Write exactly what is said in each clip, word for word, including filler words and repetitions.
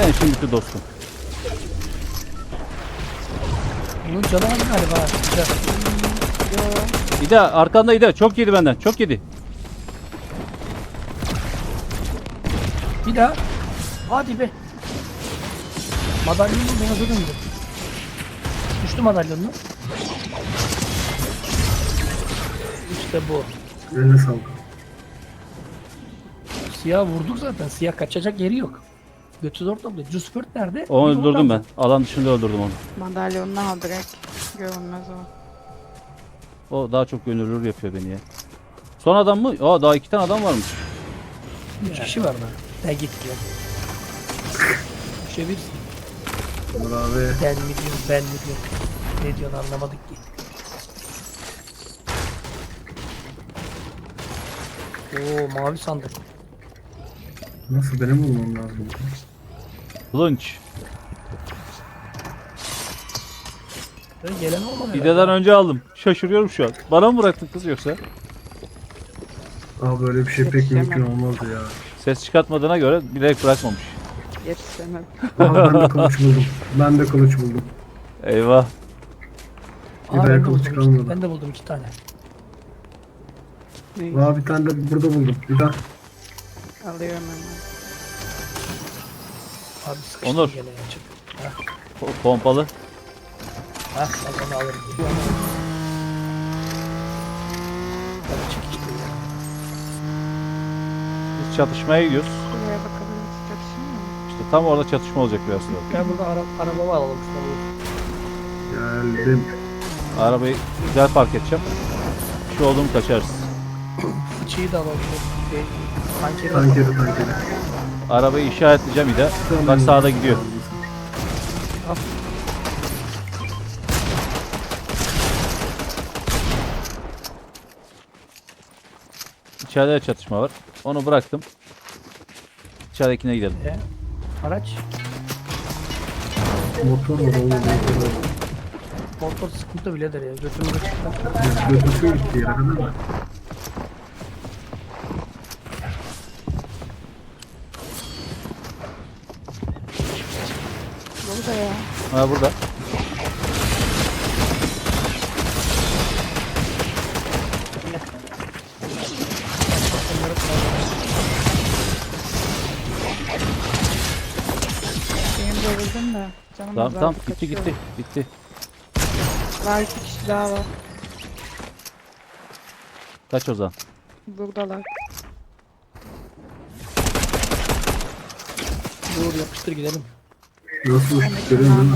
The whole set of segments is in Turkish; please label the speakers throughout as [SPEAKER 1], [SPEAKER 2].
[SPEAKER 1] Sen şimdiki dostum.
[SPEAKER 2] Bunun canı var galiba. Güzel.
[SPEAKER 1] İde arkanda İde. Çok yedi benden. Çok yedi.
[SPEAKER 2] Bir daha. Hadi be. Madalyonu beyaza döndü. Düştü madalyonunu. İşte bu.
[SPEAKER 3] Eline sağlık.
[SPEAKER 2] Siyah vurduk zaten. Siyah kaçacak yeri yok. Götü zor topluyor. Juspert nerede?
[SPEAKER 1] Onu
[SPEAKER 2] Bir de
[SPEAKER 1] öldürdüm ben.
[SPEAKER 2] oradan.
[SPEAKER 1] Alan dışında öldürdüm onu.
[SPEAKER 4] Madalyonunu al direkt. Görünmez o.
[SPEAKER 1] O daha çok gönüllülük yapıyor beni ya. Son adam mı? Aa daha iki tane adam varmış.
[SPEAKER 2] Üç kişi var daha. Ne gitti ya. Düşebilirsin.
[SPEAKER 3] Onur abi.
[SPEAKER 2] Ben mi diyorum, ben mi diyorum. Ne diyorsun anlamadık ki. Oo mavi sandık.
[SPEAKER 3] Nasıl benim olmam lazım?
[SPEAKER 1] Kılınç.
[SPEAKER 2] Böyle gelen olmadı.
[SPEAKER 1] İde'den önce aldım. Şaşırıyorum şu an. Bana mı bıraktın kız yoksa?
[SPEAKER 3] Aa böyle bir şey pek
[SPEAKER 4] Yetişemem.
[SPEAKER 3] mümkün olmazdı ya.
[SPEAKER 1] Ses çıkartmadığına göre bilerek bırakmamış.
[SPEAKER 4] Yetişemem.
[SPEAKER 3] Aa ben de kılıç buldum. Ben de kılıç buldum.
[SPEAKER 1] Eyvah.
[SPEAKER 2] Aa,
[SPEAKER 3] Bir
[SPEAKER 2] ben,
[SPEAKER 3] daha
[SPEAKER 2] de
[SPEAKER 3] kılıç
[SPEAKER 2] buldum,
[SPEAKER 3] kalmadı.
[SPEAKER 2] iki, ben de buldum iki tane.
[SPEAKER 4] Ne?
[SPEAKER 3] Aa bir tane de burada buldum. Bir daha.
[SPEAKER 4] Alıyorum hemen.
[SPEAKER 2] Abi sıkıştım
[SPEAKER 1] Onur.
[SPEAKER 2] gene ya. Çık. Hah,
[SPEAKER 1] Po- Pompalı.
[SPEAKER 2] hah ben onu alırım. Bana çık işte ya.
[SPEAKER 1] Biz çatışmaya gidiyoruz.
[SPEAKER 4] Buraya bakabiliriz. Çatışıyor mu?
[SPEAKER 1] İşte tam orada çatışma olacak biraz sonra.
[SPEAKER 2] Gel burada ara, arabamı alalım şuna bu.
[SPEAKER 3] Geldim.
[SPEAKER 1] Arabayı güzel park edeceğim. Bir şey oldu mu kaçarız.
[SPEAKER 2] Fıçıyı da alalım. Şu Şey, tankeri de
[SPEAKER 3] Tankeri
[SPEAKER 2] alalım.
[SPEAKER 3] tankeri.
[SPEAKER 1] Arabayı işaretleyeceğim İde.
[SPEAKER 3] Tamam.
[SPEAKER 1] Bak sağda gidiyor.
[SPEAKER 2] Al.
[SPEAKER 1] İçeride de çatışma var. Onu bıraktım. İçeridekine gidelim.
[SPEAKER 2] E, araç.
[SPEAKER 3] Motor var oğlum. Motor var.
[SPEAKER 2] Motor sıkıntı biledir ya. Götümüzü çıktı.
[SPEAKER 3] Götürsün gitti yere kadar da.
[SPEAKER 4] Burada ya.
[SPEAKER 1] Ha burada.
[SPEAKER 4] Benim devirdim de. Canım
[SPEAKER 1] Tamam
[SPEAKER 4] azaldı,
[SPEAKER 1] tamam gitti
[SPEAKER 4] kaçıyorum.
[SPEAKER 1] gitti. Gitti.
[SPEAKER 4] Var iki kişi daha var.
[SPEAKER 1] Kaç o zaman.
[SPEAKER 4] Buradalar.
[SPEAKER 2] Dur yapıştır gidelim.
[SPEAKER 3] Nasıl uçtuk görüyor musun?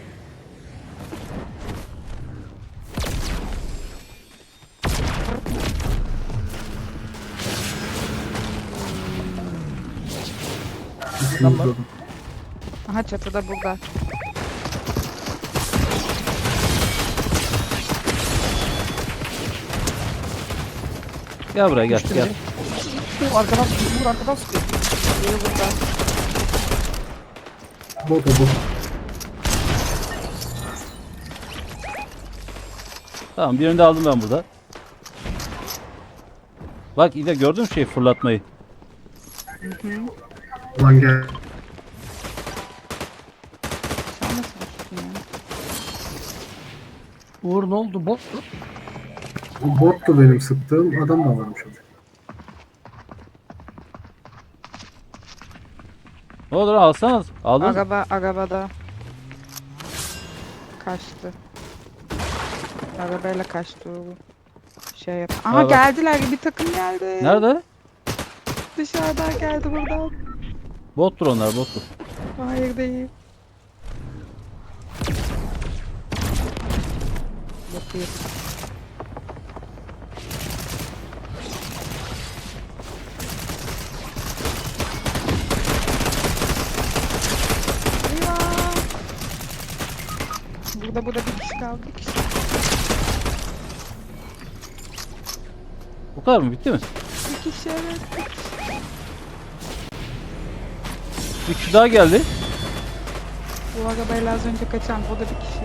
[SPEAKER 2] Tamam.
[SPEAKER 4] Aha çatıda burada.
[SPEAKER 1] Gel buraya gel
[SPEAKER 2] Düştü
[SPEAKER 1] gel.
[SPEAKER 2] biri. Dur arkadan sıkıyor. Dur arkadan sıkıyor.
[SPEAKER 4] Biri burada.
[SPEAKER 3] Bot o bot.
[SPEAKER 1] Tamam birini de aldım ben burada. Bak İde gördün mü şey fırlatmayı?
[SPEAKER 3] Lan gel.
[SPEAKER 4] Sen nasıl düştün ya?
[SPEAKER 2] Uğur ne oldu? Bot mu?
[SPEAKER 3] Bu bottu benim sıktığım. Adam da varmış orada.
[SPEAKER 1] Ne olur alsanız. Aldın.
[SPEAKER 4] Araba, arabada. Kaçtı. Arabayla kaçtı o. Şey yap. Aha
[SPEAKER 1] Ha, bak.
[SPEAKER 4] geldiler. Bir takım geldi.
[SPEAKER 1] Nerede?
[SPEAKER 4] Dışarıdan geldi buradan.
[SPEAKER 1] Bottur onlar bottur.
[SPEAKER 4] Hayır değil. Bakıyor. Eyvah. Burada burada bir kişi kaldı. Bir kişi.
[SPEAKER 1] Bu kadar mı? Bitti mi?
[SPEAKER 4] Bir kişi evet. Bir kişi.
[SPEAKER 1] Bir kişi daha geldi.
[SPEAKER 4] Bu arabayla az önce kaçan o da bir kişi.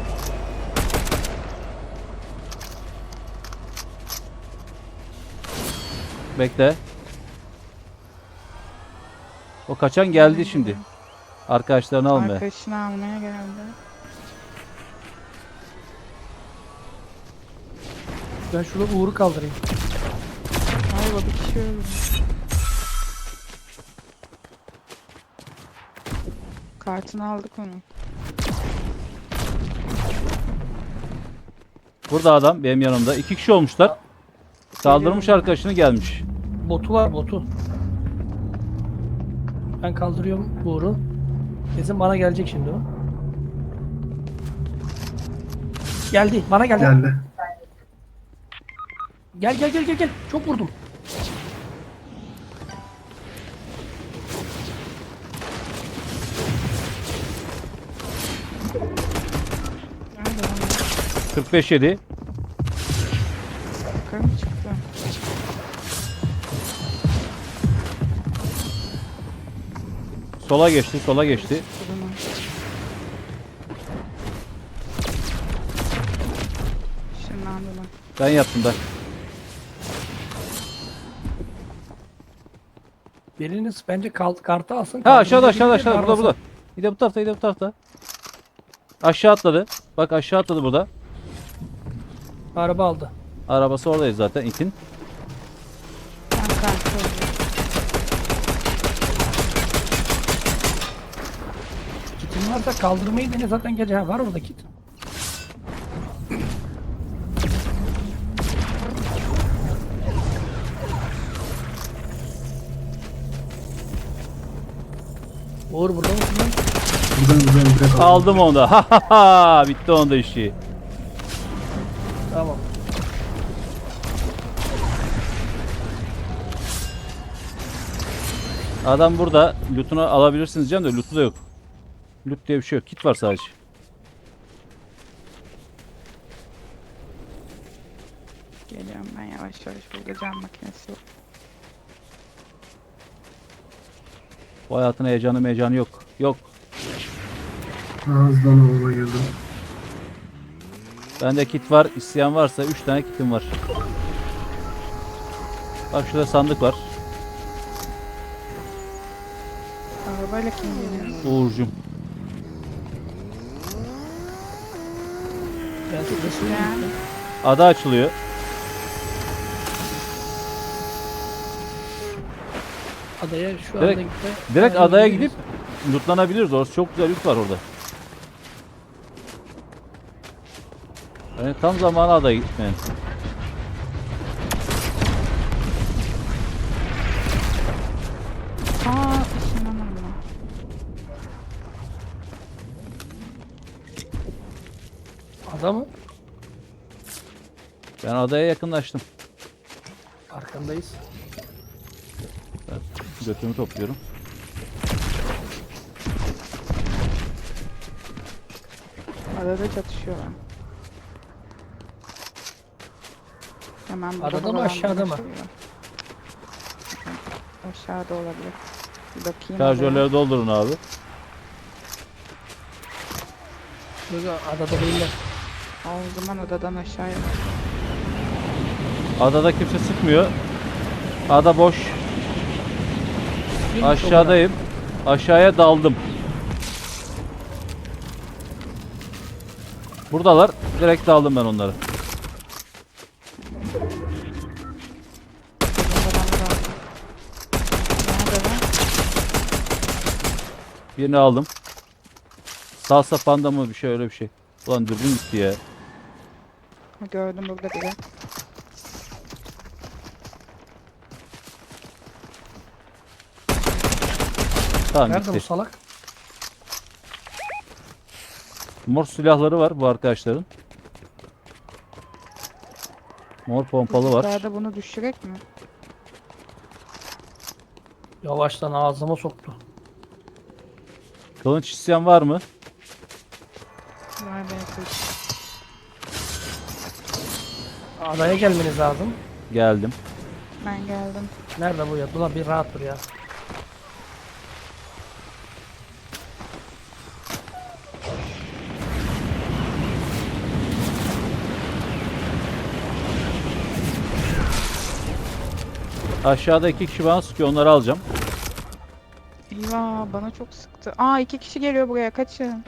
[SPEAKER 1] Bekle. O kaçan geldi şimdi. Arkadaşlarını almaya.
[SPEAKER 4] Arkadaşını almaya geldi.
[SPEAKER 2] Ben şurada Uğur'u kaldırayım.
[SPEAKER 4] Ay bu bir kişi öldü. Kartını aldık onu.
[SPEAKER 1] Burada adam benim yanımda. İki kişi olmuşlar. Kaldırmış arkadaşını gelmiş.
[SPEAKER 2] Botu var botu. Ben kaldırıyorum Uğur'u. Kesin bana gelecek şimdi o. Geldi. Bana geldi.
[SPEAKER 3] Geldi.
[SPEAKER 2] Gel gel gel gel gel. Çok vurdum.
[SPEAKER 4] Nerede lan?
[SPEAKER 1] kırk beş yedi.
[SPEAKER 4] Yukarı mı çıktı?
[SPEAKER 1] Sola geçti, sola geçti.
[SPEAKER 4] Bunu. Işınlandı lan.
[SPEAKER 1] Ben yaptım da.
[SPEAKER 2] Biriniz bence kalt kartı alsın.
[SPEAKER 1] Ha aşağıda aşağıda
[SPEAKER 2] kaldırınca
[SPEAKER 1] aşağıda burada
[SPEAKER 2] darlasın.
[SPEAKER 1] burada. Bir de bu tarafta, bir de bu tarafta. Aşağı atladı. Bak aşağı atladı burada.
[SPEAKER 2] Araba aldı.
[SPEAKER 1] Arabası oradayız zaten itin.
[SPEAKER 4] Ben kartı alıyorum.
[SPEAKER 2] Kitin varsa kaldırmayı dene zaten gece ha, var orada kit. Uğur burada mısın lan?
[SPEAKER 3] Buradan buradan direkt aldım.
[SPEAKER 1] Aldım onu da. Ha ha ha. Bitti onda işi.
[SPEAKER 2] Tamam.
[SPEAKER 1] Adam burada. Loot'unu alabilirsiniz canım da loot'u da yok. Loot diye bir şey yok. Kit var sadece.
[SPEAKER 4] Geliyorum ben yavaş yavaş. Burada cam makinesi yok.
[SPEAKER 1] Bu hayatın heyecanı meyecanı yok. Yok.
[SPEAKER 3] Hızdan olma girdim.
[SPEAKER 1] Bende kit var. İsteyen varsa üç tane kitim var. Bak şurada sandık var.
[SPEAKER 4] Arabayla kim geliyor?
[SPEAKER 1] Uğur'cum.
[SPEAKER 2] Ben çok resim
[SPEAKER 4] Yani.
[SPEAKER 1] Ada açılıyor.
[SPEAKER 2] adaya şu
[SPEAKER 1] Direkt-
[SPEAKER 2] anda gitti.
[SPEAKER 1] Direkt
[SPEAKER 2] Adaya
[SPEAKER 1] adaya
[SPEAKER 2] gidiyoruz.
[SPEAKER 1] gidip lootlanabiliriz. Orası çok güzel loot var orada. Yani tam zamanı adaya gitmeyin.
[SPEAKER 4] Aa ışınlanır mı?
[SPEAKER 2] Ada mı?
[SPEAKER 1] Ben adaya yakınlaştım.
[SPEAKER 2] Arkandayız.
[SPEAKER 1] Götümü topluyorum.
[SPEAKER 4] Adada çatışıyorlar. Hemen burada
[SPEAKER 2] Adada mı,
[SPEAKER 4] havalandırma
[SPEAKER 2] aşağıda mı?
[SPEAKER 4] şeyi var. Aşağıda olabilir. Bir bakayım.
[SPEAKER 1] Şarjörleri doldurun abi.
[SPEAKER 2] Böyle adada değiller.
[SPEAKER 4] Aa, o zaman adadan aşağıya bak.
[SPEAKER 1] Adada kimse sıkmıyor. Ada boş.
[SPEAKER 2] Bir
[SPEAKER 1] Aşağıdayım. Aşağıya daldım. Buradalar. Direkt daldım ben onları.
[SPEAKER 4] Adamlar aldı. Nerede lan?
[SPEAKER 1] Birini aldım. Salsa panda mı bir şey öyle bir şey. Ulan dürbün gitti ya.
[SPEAKER 4] Ha, gördüm burada biri.
[SPEAKER 1] Tamam
[SPEAKER 2] Nerede bu
[SPEAKER 1] gitti.
[SPEAKER 2] salak?
[SPEAKER 1] Mor silahları var bu arkadaşların. Mor pompalı var.
[SPEAKER 4] Daha da bunu düşürek mi?
[SPEAKER 2] Yavaştan ağzıma soktu.
[SPEAKER 1] Kılıç isteyen var mı?
[SPEAKER 4] Var ben kılıç.
[SPEAKER 2] Adaya gelmeniz lazım.
[SPEAKER 1] Geldim.
[SPEAKER 4] Ben geldim.
[SPEAKER 2] Nerede bu ya? Ulan bir rahat dur ya.
[SPEAKER 1] Aşağıda iki kişi bana sıkıyor. Onları alacağım.
[SPEAKER 4] Eyvah bana çok sıktı. Aa iki kişi geliyor buraya kaçın.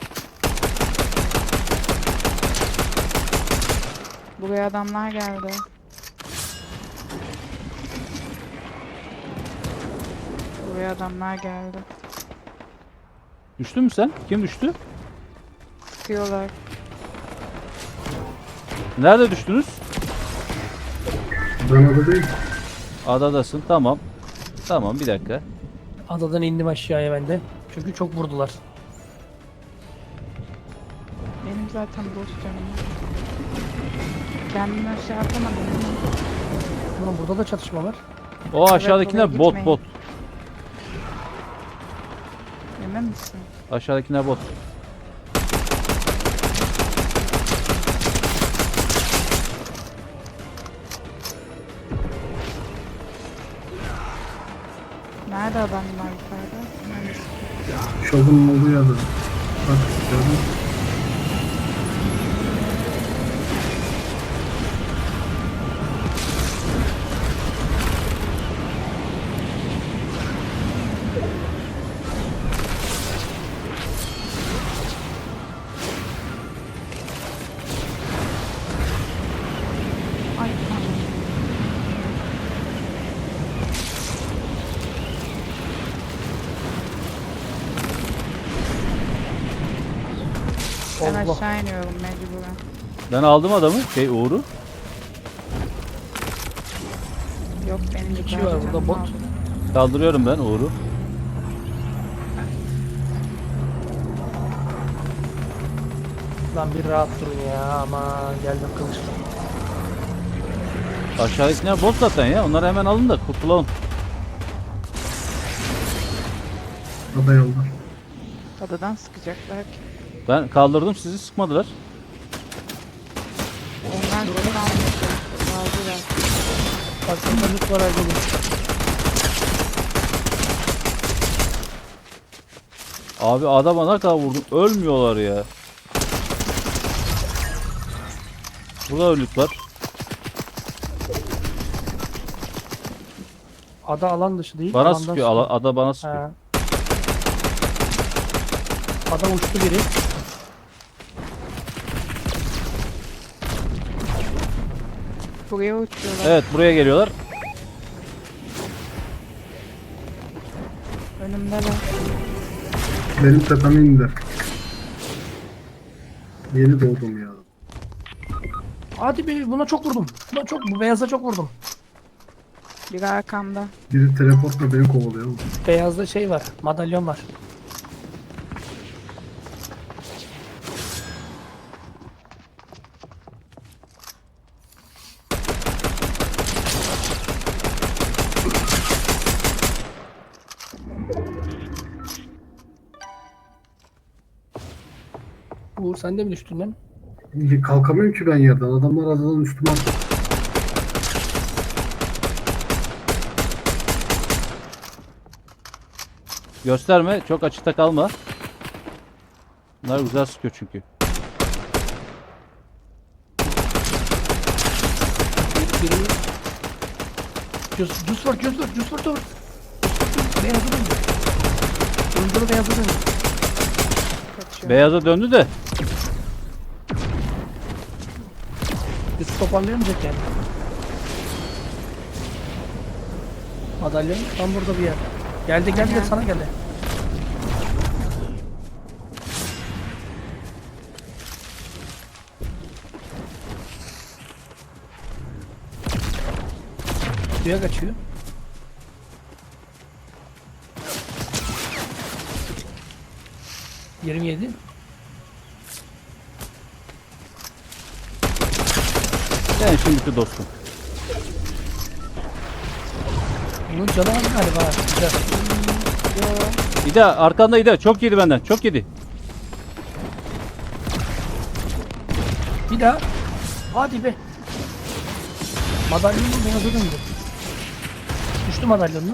[SPEAKER 4] Buraya adamlar geldi. Buraya adamlar geldi.
[SPEAKER 1] Düştün mü sen? Kim düştü?
[SPEAKER 4] Sıkıyorlar.
[SPEAKER 1] Nerede düştünüz?
[SPEAKER 3] Ben orada değil.
[SPEAKER 1] Adadasın. Tamam. Tamam bir dakika.
[SPEAKER 2] Adadan indim aşağıya ben de. Çünkü çok vurdular.
[SPEAKER 4] Benim zaten boş canım. Kendimi aşağı atamadım.
[SPEAKER 2] Ulan burada da çatışma var.
[SPEAKER 1] O aşağıdakiler
[SPEAKER 4] oraya
[SPEAKER 1] bot
[SPEAKER 4] gitmeyin.
[SPEAKER 1] bot.
[SPEAKER 4] Emin misin?
[SPEAKER 1] Aşağıdakiler bot.
[SPEAKER 4] Nerede adamlar yukarıda? Neresi?
[SPEAKER 3] Şovun olduğu yerde. Bak gördün mü?
[SPEAKER 4] Ay tamam. Ben
[SPEAKER 2] Allah.
[SPEAKER 4] aşağı iniyorum mecburen.
[SPEAKER 1] Ben aldım adamı. Şey Uğur'u.
[SPEAKER 4] Yok benim
[SPEAKER 2] İki
[SPEAKER 4] yukarıda
[SPEAKER 2] var burada,
[SPEAKER 4] canım
[SPEAKER 2] bot.
[SPEAKER 4] aldı.
[SPEAKER 1] Kaldırıyorum ben Uğur'u.
[SPEAKER 2] Lan bir rahat durun ya, aman geldim kılıçla.
[SPEAKER 1] Aşağıdakiler bot zaten ya. Onları hemen alın da kurtulalım.
[SPEAKER 3] Ada yolda.
[SPEAKER 4] Adadan sıkacaklar ki.
[SPEAKER 1] Ben kaldırdım sizi sıkmadılar.
[SPEAKER 4] Onlar beni almışlar. Aldılar.
[SPEAKER 2] Aklımda lüt var ayrılın.
[SPEAKER 1] Abi adama ne kadar vurdum. Ölmüyorlar ya. Burada ölüt var.
[SPEAKER 2] Ada alan dışı değil.
[SPEAKER 1] Bana
[SPEAKER 2] alandan
[SPEAKER 1] sıkıyor. Ala- ada bana sıkıyor.
[SPEAKER 2] Ha. Ada uçtu biri.
[SPEAKER 4] Buraya uçuyorlar.
[SPEAKER 1] Evet buraya geliyorlar.
[SPEAKER 4] Önümdeler.
[SPEAKER 3] Benim tepeme indi. Yeni doğdum ya.
[SPEAKER 2] Hadi be, buna çok vurdum. Buna çok, bu beyaza çok vurdum.
[SPEAKER 4] Biri arkamda.
[SPEAKER 3] Biri teleportla beni kovalıyor. oğlum.
[SPEAKER 2] Beyazda şey var, madalyon var. Uğur sen de mi düştün lan?
[SPEAKER 3] Kalkamıyorum ki ben yerden. Adamlar adadan üstüme attı.
[SPEAKER 1] Gösterme. Çok açıkta kalma. Bunlar güzel sıkıyor çünkü.
[SPEAKER 2] Biri... Cus, cus var, cus var, cus var, cus var. Beyazı döndü. Döndürü beyazı döndü.
[SPEAKER 4] Kaçıyor.
[SPEAKER 1] Beyaza döndü de.
[SPEAKER 2] Biz toparlayamayacak yani. Madalyon tam burada bir yer. Geldi geldi
[SPEAKER 4] Aynen.
[SPEAKER 2] sana geldi. Suya kaçıyor. yirmi yedi.
[SPEAKER 1] Sen şimdiki dostum.
[SPEAKER 2] Bunun canı var galiba. Güzel.
[SPEAKER 1] İda arkanda İda. Çok yedi benden. Çok yedi.
[SPEAKER 2] Bir daha. Hadi be. Madalyonun beyazı döndü. Düştü madalyonunu.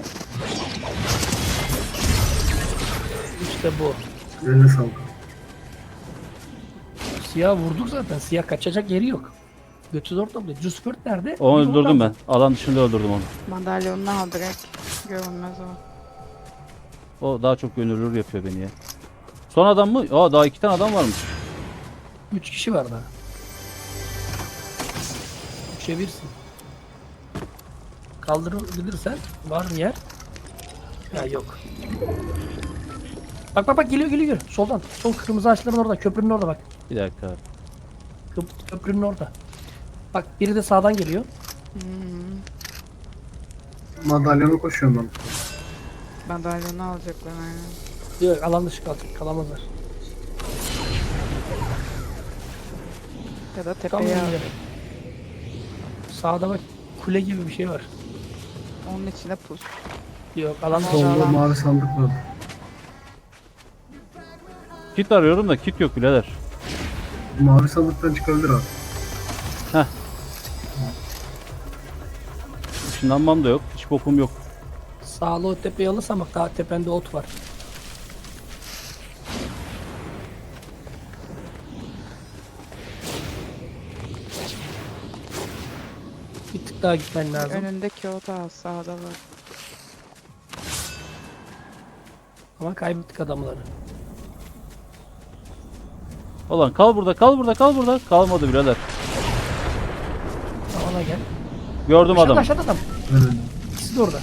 [SPEAKER 2] İşte bu.
[SPEAKER 3] Eline sağlık.
[SPEAKER 2] Siyah vurduk zaten. Siyah kaçacak yeri yok. Götü zor topluyor. Cuspert nerede?
[SPEAKER 1] Onu
[SPEAKER 2] Bir
[SPEAKER 1] öldürdüm
[SPEAKER 2] oradan.
[SPEAKER 1] ben. Alan dışında öldürdüm onu.
[SPEAKER 4] Madalyonunu al direkt. Görünmez o.
[SPEAKER 1] O daha çok gönüllülür yapıyor beni ya. Son adam mı? Aa daha iki tane adam varmış.
[SPEAKER 2] Üç kişi var daha. Üçe birsin. Kaldırabilirsen var mı yer? Ya yok. Bak bak bak geliyor geliyor. Soldan. Sol kırmızı ağaçların orada. Köprünün orada bak.
[SPEAKER 1] Bir dakika abi.
[SPEAKER 2] Köp- köprünün orada. Bak biri de sağdan geliyor.
[SPEAKER 3] Madalyona koşuyorum ben.
[SPEAKER 4] Madalyonu alacaklar aynen.
[SPEAKER 2] Yok alan dışı kalacak. Kalamazlar.
[SPEAKER 4] Ya da
[SPEAKER 2] Tam
[SPEAKER 4] tepeye al.
[SPEAKER 2] önünde. Sağda bak kule gibi bir şey var.
[SPEAKER 4] Onun içine pus.
[SPEAKER 2] Yok alan dışı.
[SPEAKER 4] Tamam.
[SPEAKER 3] Solda mavi sandık var.
[SPEAKER 1] Kit arıyorum da kit yok birader.
[SPEAKER 3] Mavi sandıktan çıkabilir abi.
[SPEAKER 1] Işınlanmam da yok. Hiç bokum yok.
[SPEAKER 2] Sağlı o tepeyi alırsan bak daha tepende ot var. Bir tık daha gitmen lazım.
[SPEAKER 4] Önündeki o da sağda var.
[SPEAKER 2] Ama kaybettik adamları.
[SPEAKER 1] Ulan kal burada kal burada kal burada. Kalmadı birader.
[SPEAKER 2] Ona gel.
[SPEAKER 1] Gördüm
[SPEAKER 2] Aşağıda
[SPEAKER 1] adamı.
[SPEAKER 2] aşağıda adam.
[SPEAKER 3] Evet.
[SPEAKER 2] İkisi de orada.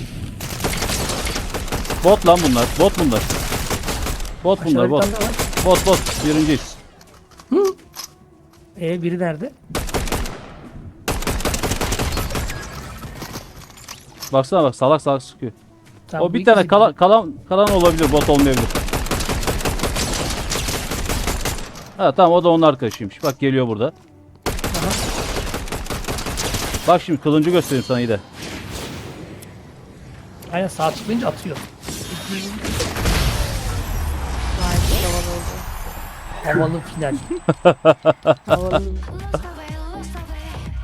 [SPEAKER 1] Bot lan bunlar. Bot bunlar. Bot
[SPEAKER 2] Aşağıda
[SPEAKER 1] bunlar
[SPEAKER 2] bir
[SPEAKER 1] bot.
[SPEAKER 2] tane daha var.
[SPEAKER 1] Bot bot. Birinciyiz.
[SPEAKER 2] Ee biri nerede?
[SPEAKER 1] Baksana bak salak salak sıkıyor.
[SPEAKER 2] Tamam,
[SPEAKER 1] O
[SPEAKER 2] bu
[SPEAKER 1] bir
[SPEAKER 2] ikisi
[SPEAKER 1] tane kalan, kalan kalan olabilir. Bot olmayabilir. Ha tamam o da onun arkadaşıymış. Bak geliyor burada.
[SPEAKER 2] Aha.
[SPEAKER 1] Bak şimdi kılıncı göstereyim sana iyi de.
[SPEAKER 2] Aynen sağ tıklayınca atıyor.
[SPEAKER 4] Gayet havalı oldu.
[SPEAKER 2] Havalı final.
[SPEAKER 4] Havalı.